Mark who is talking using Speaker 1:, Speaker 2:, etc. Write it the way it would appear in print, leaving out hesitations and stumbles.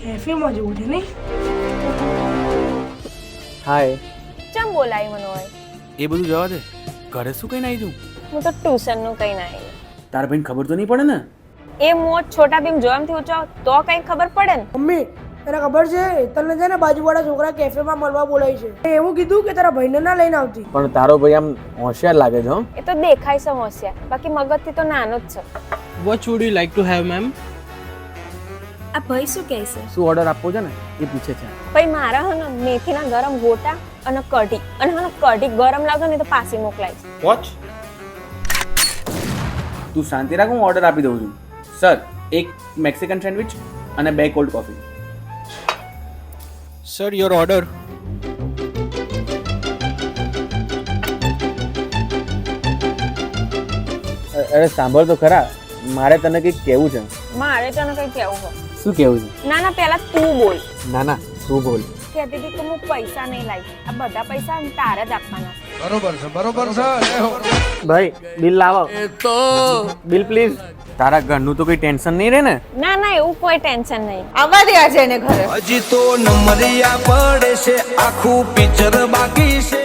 Speaker 1: કેફેમાં જવું છે નહીં?
Speaker 2: હાય.
Speaker 3: ચમ બોલાય મને હોય?
Speaker 4: એ બધું જવા દે. ઘરે શું કહીને આવી તું?
Speaker 3: હું તો ટ્યુશન નું કઈ ના આવી.
Speaker 4: તારા ભાઈને ખબર તો નહીં પડે ને?
Speaker 3: એ મોજ છોટા ભીમ જોવામથી ઊંચો તો કઈ ખબર પડે ને.
Speaker 1: મમ્મી તને ખબર છે તને છે ને બાજુવાળા છોકરા કેફેમાં મળવા બોલાય છે. મેં એવું કીધું કે તારા ભાઈને ના લઈને આવતી.
Speaker 2: પણ તારો ભાઈ આમ હોશિયાર લાગે છે હો.
Speaker 3: એ તો દેખાય છે હોશિયાર, બાકી મગજથી તો નાનો જ છે.
Speaker 5: What would you like to have, ma'am?
Speaker 3: આ ભાઈ શું કહે છે?
Speaker 2: શું ઓર્ડર આપવો છે ને એ પૂછે છે.
Speaker 3: ભાઈ મારા હે ને મેથીના ગરમ ગોટા અને કઢી, અને હે ને કઢી ગરમ લાગે ને તો પાછી મોકલાય.
Speaker 4: વોચ. તું શાંતિ રાખ, હું ઓર્ડર આપી દઉં છું. સર, એક મેક્સિકન સેન્ડવિચ અને 2 cold coffee.
Speaker 5: Sir, your order.
Speaker 2: અરે સાંભળ તો ખરા, મારે તને કંઈક કહેવું છે.
Speaker 3: મારે તને કઈ કહેવું હોય?
Speaker 2: શું કહેવું છે?
Speaker 3: ના ના, પહેલા તું બોલ.
Speaker 2: ના ના, તું બોલ.
Speaker 3: કહેતી હતી કે હું પૈસા નહીં લાવી. આ બધા પૈસા તારે જ આપવાના છે.
Speaker 6: બરોબર છે.
Speaker 2: ભાઈ બિલ લાવો. Bill please. તારા ઘરનું તો કોઈ ટેન્શન નહીં રહે ને?
Speaker 3: ના ના, એવું કોઈ ટેન્શન નહીં.
Speaker 7: આવવા દે આજે એને ઘરે.
Speaker 6: હજી તો નંબરિયા પડે છે, આખું પિક્ચર બાકી છે.